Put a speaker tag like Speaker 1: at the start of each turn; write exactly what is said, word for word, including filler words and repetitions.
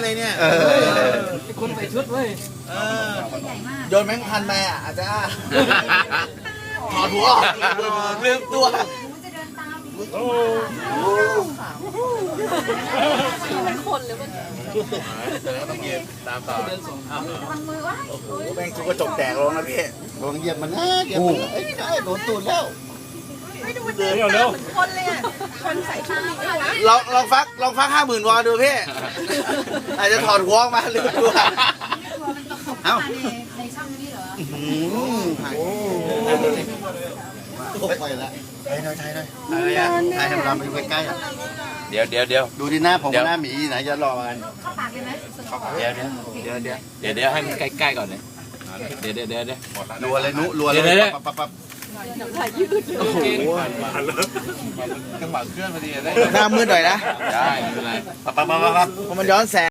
Speaker 1: เลยเนี่ย
Speaker 2: คนใส่ชุดเว้ย
Speaker 1: โยนแมงพันมาอ่ะอาจจะถอดหัวลืมตัว
Speaker 3: มันคนหรือมัน
Speaker 4: ต้องเย็นตามต่อ
Speaker 3: ทำมือวะ
Speaker 1: โอ้โหแม่งทุกกระจกแตกลงนะพี่
Speaker 5: โดนเหยียบมันนะเหยียบมันเอ้ยได้โดนตูดแล้ว
Speaker 3: ไม่ดูมันเดินตามเหมือนคนเลยอ่ะคนใส่ชุดนี้ด้วยวะ
Speaker 1: ลองลองฟักลองฟักห้าหมื่นวอลดูพี่อาจจะถอดหัวออกมาลืมตัวเอ้า
Speaker 3: ในช่องนี้เหรอ
Speaker 5: โอ้ไปละไทยหน่อยไทยหน่อยอะไรอ่ะไทยให้เราไปดูใกล้ๆอ่ะ
Speaker 4: เดี๋ยวเดี๋ยวเดี๋ยว
Speaker 5: ดูที่หน้าผมกับหน้าหมีไหนจะรอกัน
Speaker 3: เข้าปากเลยไหม
Speaker 4: เดี๋ยวเดี๋ยวเดี๋ยวเดี๋ยวเดี๋ยวเดี๋ยวให้มันใกล้ๆก่อนเลยเดี๋ยวเดี๋ยวเดี๋ยวเดี๋ยว
Speaker 5: รัวเลยนุรัวเลยปั๊บปั๊บปั๊บ
Speaker 4: โอ้โหจังหวะเคลื่อนพอดีได้
Speaker 1: หน้ามืดหน่อยนะ
Speaker 4: ได้ไม่เป็นไร
Speaker 5: ปั๊บปั๊บปั๊บปั๊บ
Speaker 1: เพราะมันย้อนแสง